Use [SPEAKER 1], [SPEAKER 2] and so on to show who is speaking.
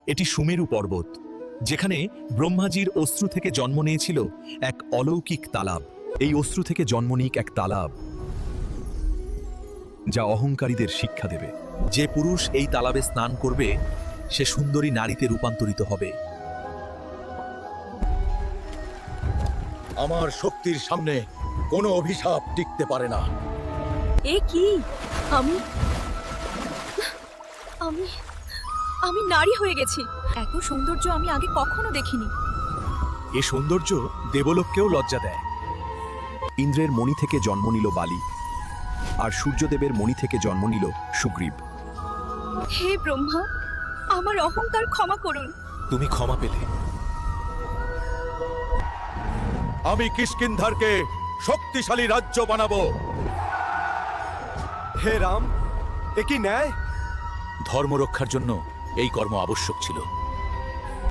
[SPEAKER 1] এটি সুমেরু পর্বত, যেখানে ব্রহ্মাজির অশ্রু থেকে জন্ম নিয়েছিল এক অলৌকিক তালাব। এই অশ্রু থেকে জন্ম নিক এক তালাব, যা অহংকারীদের শিক্ষা দেবে। যে পুরুষ এই তালাবে স্নান করবে, সে সুন্দরী নারীতে রূপান্তরিত হবে।
[SPEAKER 2] আমার শক্তির সামনে কোনো অভিশাপ টিকতে পারে না।
[SPEAKER 3] এ কি? আমি আমি আমি নারী হয়ে গেছি। এত সৌন্দর্য আমি আগে কখনো দেখিনি।
[SPEAKER 1] এ সৌন্দর্য দেবলোককেও লজ্জা দেয়। ইন্দ্রের মণি থেকে জন্ম নিল বালি, আর সূর্যদেবের মণি থেকে জন্ম নিল সুগ্রীব।
[SPEAKER 3] হে ব্রহ্মা, আমার অহংকার ক্ষমা করুন।
[SPEAKER 1] তুমি ক্ষমা পেলে।
[SPEAKER 2] আমি কিষ্কিন্ধারকে শক্তিশালী রাজ্য বানাবো।
[SPEAKER 4] হে রাম, এ কি ন্যায়?
[SPEAKER 1] ধর্ম রক্ষার জন্য এই কর্ম আবশ্যক ছিল।